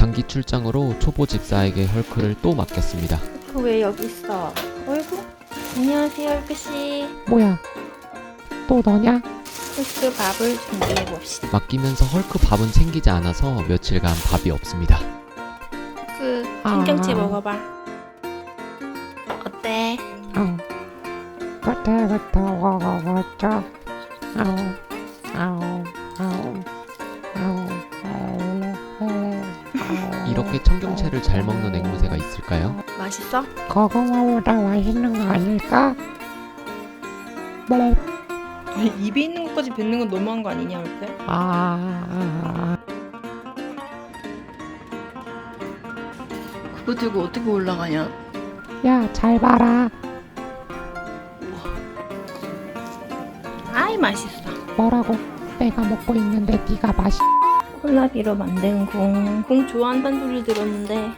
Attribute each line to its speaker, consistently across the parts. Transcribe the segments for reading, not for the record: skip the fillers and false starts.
Speaker 1: 장기 출장으로 초보 집사에게 헐크를 또 맡겼습니다.
Speaker 2: 왜 여기 있어? 어이구. 안녕하세요, 헐크씨.
Speaker 3: 뭐야? 또 너냐?
Speaker 2: 헐크 밥을 준비해봅시다.
Speaker 1: 맡기면서 헐크 밥은 챙기지 않아서 며칠간 밥이 없습니다.
Speaker 2: 헐크, 청경채 먹어봐. 어때?
Speaker 3: 그때부터 먹어봤죠.
Speaker 1: 이렇게 청경채를 잘 먹는 앵무새가 있을까요?
Speaker 2: 맛있어?
Speaker 3: 고구마보다 맛있는 거 아닐까?
Speaker 2: 입에 있는 것까지 뱉는 건 너무한 거 아니냐, 헐크? 그거 들고 어떻게 올라가냐?
Speaker 3: 야, 잘 봐라.
Speaker 2: 아이, 맛있어.
Speaker 3: 뭐라고? 내가 먹고 있는데 네가
Speaker 2: 콜라비로 만든 공. 공 좋아한다는 소리 들었는데.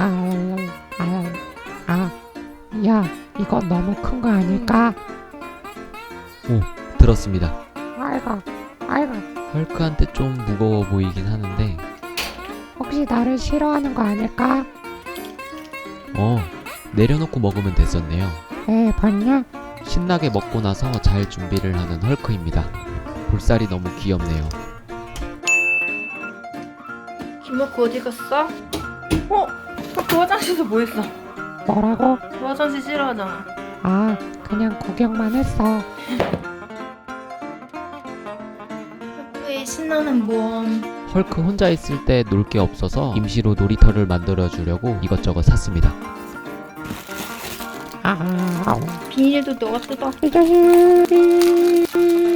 Speaker 3: 야, 이거 너무 큰 거 아닐까?
Speaker 1: 오, 들었습니다.
Speaker 3: 아이고.
Speaker 1: 헐크한테 좀 무거워 보이긴 하는데
Speaker 3: 혹시 나를 싫어하는 거 아닐까?
Speaker 1: 내려놓고 먹으면 됐었네요.
Speaker 3: 봤냐?
Speaker 1: 신나게 먹고 나서 잘 준비를 하는 헐크입니다. 볼살이 너무 귀엽네요.
Speaker 2: 김호크 어디 갔어? 그 화장실에서 뭐 했어?
Speaker 3: 뭐라고?
Speaker 2: 그 화장실 싫어하잖아.
Speaker 3: 그냥 구경만 했어.
Speaker 2: 헐크의 신나는 모험.
Speaker 1: 헐크 혼자 있을 때 놀 게 없어서 임시로 놀이터를 만들어 주려고 이것저것 샀습니다.
Speaker 2: 비닐도 너가 뜯어.
Speaker 3: 이 자식.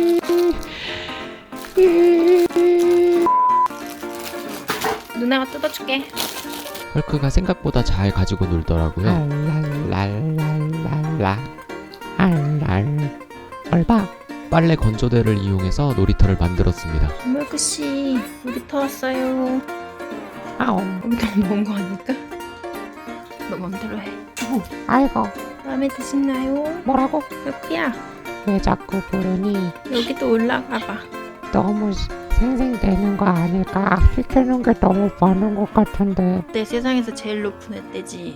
Speaker 2: 누나가 뜯어줄게.
Speaker 1: 헐크가 생각보다 잘 가지고 놀더라고요.
Speaker 3: 얼바.
Speaker 1: 빨래 건조대를 이용해서 놀이터를 만들었습니다.
Speaker 2: 김호크씨, 놀이터 왔어요. 여기가 먼 거 아닐까? 너 맘대로 해.
Speaker 3: 아이고.
Speaker 2: 마음에 드시나요?
Speaker 3: 뭐라고?
Speaker 2: 헐크야,
Speaker 3: 왜 자꾸 부르니?
Speaker 2: 여기 또 올라가봐.
Speaker 3: 너무 생생되는 거 아닐까? 시키는 게 너무 많은 것 같은데.
Speaker 2: 내 세상에서 제일 높은 애,떼지.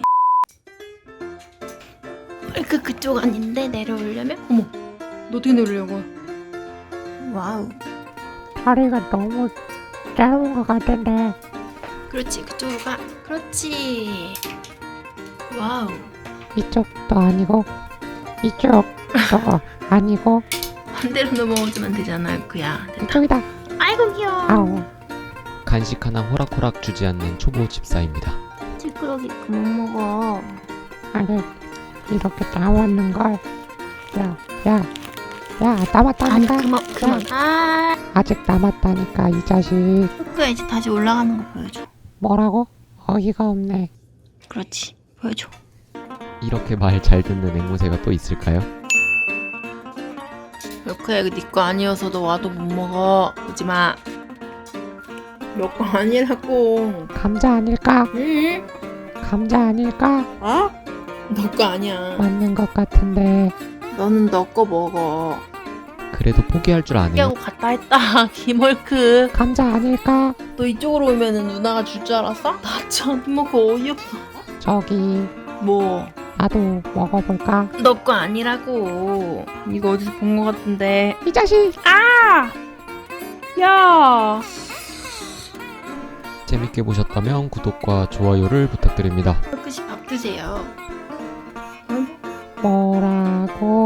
Speaker 2: 헐크 그쪽 아닌데 내려오려면? 어머, 너 어떻게 내려오려고? 와우.
Speaker 3: 다리가 너무 짧은 것 같은데.
Speaker 2: 그렇지, 그쪽으로 가. 그렇지. 와우.
Speaker 3: 이쪽도 아니고 이쪽도 아니고
Speaker 2: 반대로 넘어오면 되잖아, 헐크야. 됐다.
Speaker 3: 이쪽이다.
Speaker 2: 아이고 귀여워.
Speaker 1: 간식 하나 호락호락 주지 않는 초보 집사입니다.
Speaker 2: 찌끄러기 그만 먹어.
Speaker 3: 아니, 이렇게 남았는 걸. 야, 남았다니까.
Speaker 2: 아니 그만.
Speaker 3: 아직 남았다니까 이 자식.
Speaker 2: 헐크야, 이제 다시 올라가는 거 보여줘.
Speaker 3: 뭐라고? 어이가 없네.
Speaker 2: 그렇지, 보여줘.
Speaker 1: 이렇게 말 잘 듣는 앵무새가 또 있을까요?
Speaker 2: 헐크야, 이거 네 거 아니어서 너 와도 못 먹어. 오지마. 너 거 아니라고.
Speaker 3: 감자 아닐까?
Speaker 2: 응?
Speaker 3: 감자 아닐까?
Speaker 2: 너 거 아니야.
Speaker 3: 맞는 것 같은데.
Speaker 2: 너는 너 거 먹어.
Speaker 1: 그래도 포기할 줄 아네요.
Speaker 2: 포기하고 갔다 했다. 김헐크.
Speaker 3: 감자 아닐까?
Speaker 2: 너 이쪽으로 오면은 누나가 줄 줄 알았어? 나 참 김헐크 어이없어.
Speaker 3: 저기
Speaker 2: 뭐?
Speaker 3: 나도 먹어볼까?
Speaker 2: 너 거 아니라고. 이거 어디서 본 거 같은데.
Speaker 3: 이 자식.
Speaker 2: 야.
Speaker 1: 재밌게 보셨다면 구독과 좋아요를 부탁드립니다.
Speaker 2: 헐크씨 밥 드세요.
Speaker 3: 뭐라고?